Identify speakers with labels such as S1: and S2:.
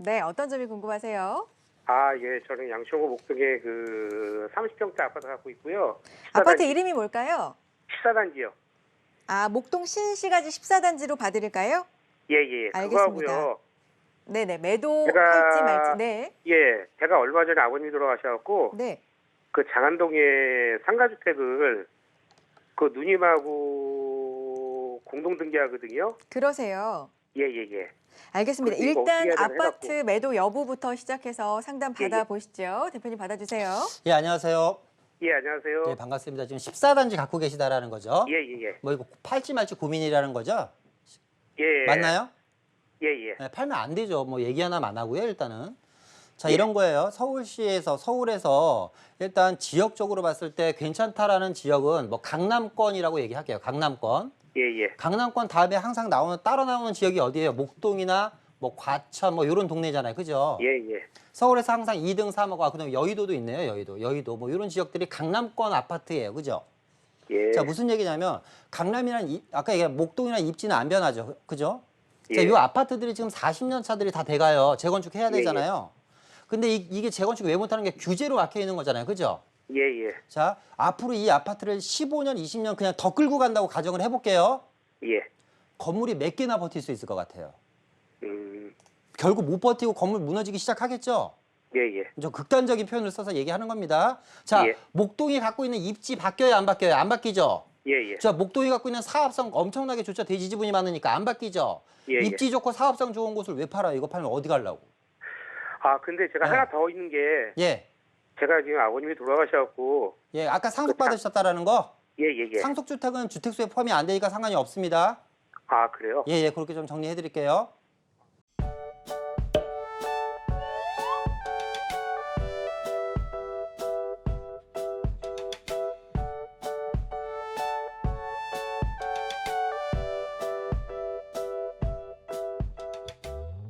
S1: 네, 어떤 점이 궁금하세요?
S2: 예, 저는 양천구 목동에 그 30평대 아파트 갖고 있고요.
S1: 아파트
S2: 14단지,
S1: 이름이 뭘까요?
S2: 14단지요.
S1: 아, 목동 신시가지 14단지로 봐드릴까요?
S2: 예, 예, 그거
S1: 알겠습니다.
S2: 하고요.
S1: 네네, 매도할지 말지.
S2: 제가,
S1: 네,
S2: 제가 얼마 전에 아버님이 돌아가셔갖고,
S1: 네.
S2: 그 장안동에 상가주택을 그 누님하고 공동 등기하거든요.
S1: 그러세요.
S2: 예, 예, 예.
S1: 알겠습니다.
S2: 그래서 이거 어떻게
S1: 일단
S2: 해야 되나
S1: 아파트
S2: 해갖고.
S1: 매도 여부부터 시작해서 상담
S2: 예, 예.
S1: 받아보시죠. 대표님 받아주세요.
S3: 예, 안녕하세요.
S2: 예, 안녕하세요.
S3: 예, 반갑습니다. 지금 14단지 갖고 계시다라는 거죠?
S2: 예, 예, 예.
S3: 뭐 이거 팔지 말지 고민이라는 거죠?
S2: 예.
S3: 맞나요?
S2: 예, 예.
S3: 예, 팔면 안 되죠. 뭐 얘기 하나 안 하고요, 일단은. 자,
S2: 예.
S3: 이런 거예요. 서울에서 일단 지역적으로 봤을 때 괜찮다라는 지역은 뭐 강남권이라고 얘기할게요. 강남권.
S2: 예, 예.
S3: 강남권 다음에 항상 따라 나오는 지역이 어디예요? 목동이나 뭐 과천 뭐 이런 동네잖아요. 그죠?
S2: 예, 예.
S3: 서울에서 항상 2등, 3호가 그다음에 여의도도 있네요. 여의도 뭐 이런 지역들이 강남권 아파트예요. 그죠?
S2: 예.
S3: 자, 무슨 얘기냐면 강남이란 아까 얘기한 목동이나 입지는 안 변하죠. 그죠? 자,
S2: 예.
S3: 이 아파트들이 지금 40년 차들이 다 돼가요. 재건축 해야
S2: 예,
S3: 되잖아요. 근데 이게 재건축 왜 못하는 게 규제로 막혀 있는 거잖아요. 그죠?
S2: 예, 예.
S3: 자, 앞으로 이 아파트를 15년, 20년 그냥 더 끌고 간다고 가정을 해볼게요.
S2: 예.
S3: 건물이 몇 개나 버틸 수 있을 것 같아요.
S2: 음,
S3: 결국 못 버티고 건물 무너지기 시작하겠죠?
S2: 예, 예.
S3: 좀 극단적인 표현을 써서 얘기하는 겁니다. 자,
S2: 예.
S3: 목동이 갖고 있는 입지 바뀌어요, 안 바뀌어요? 안 바뀌죠?
S2: 예, 예.
S3: 자, 목동이 갖고 있는 사업성 엄청나게 좋죠. 대지 지분이 많으니까 안 바뀌죠.
S2: 예,
S3: 입지 좋고 사업성 좋은 곳을 왜 팔아요? 이거 팔면 어디 가려고?
S2: 근데 제가
S3: 네.
S2: 하나 더 있는 게,
S3: 예,
S2: 제가 지금 아버님이 돌아가셔갖고,
S3: 예, 아까 상속 받으셨다라는 거.
S2: 예, 예, 예.
S3: 상속 주택은 주택수에 포함이 안 되니까 상관이 없습니다.
S2: 그래요?
S3: 예, 예, 그렇게 좀 정리해 드릴게요.